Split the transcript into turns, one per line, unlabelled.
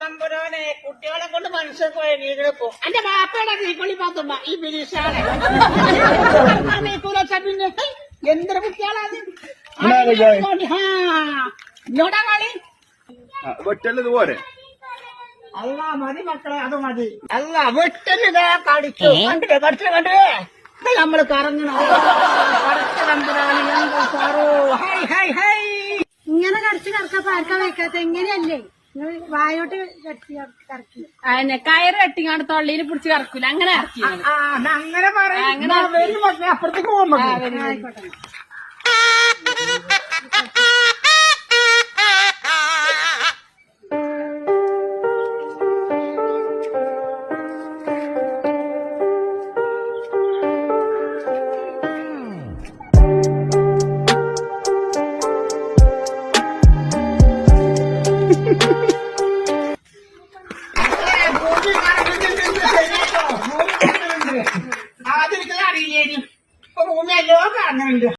തമ്പുരാനെ കുട്ടികളെ കൊണ്ട് മനുഷ്യർക്ക് പോയ നീകളപ്പോ എന്റെ ബാപ്പയുടെ തീക്കൊള്ളി പാത്തുമ്പ ഈ ബിരീഷാണ് പിന്നെ എന്തൊരു കുട്ടികളാണ് ഇങ്ങോട്ടാ കളി
വെട്ടല്ലത് പോരെ.
അല്ല മതി മക്കളെ അത് മതി. അല്ല വെട്ടലിതാ കടിച്ചു കണ്ടില്ലേ കടിച്ചു കണ്ടേ നമ്മള് കറങ്ങണം കടിച്ചു തമ്പുരാന് എന്താ സാറോ ഹൈ ഹൈ ഹൈ
ഇങ്ങനെ കടിച്ച് കറക്കാൻ പാർക്കാൻ വെക്കാത്ത എങ്ങനെയല്ലേ നിങ്ങൾ വായോട്ട് കടിച്ച് കറക്കി
അതിനെ കയറ് കെട്ടിങ്ങാണ്ട് തൊള്ളിയിൽ പിടിച്ച് കറക്കൂല അങ്ങനെ ഇറക്കി
അങ്ങനെ പറയാം അപ്പുറത്തേക്ക് പോകുമ്പോ
ആയിക്കോട്ടെ
ആദ്യം അറിയില്ലേനും ഭൂമി എല്ലോ കാണുന്നുണ്ട്.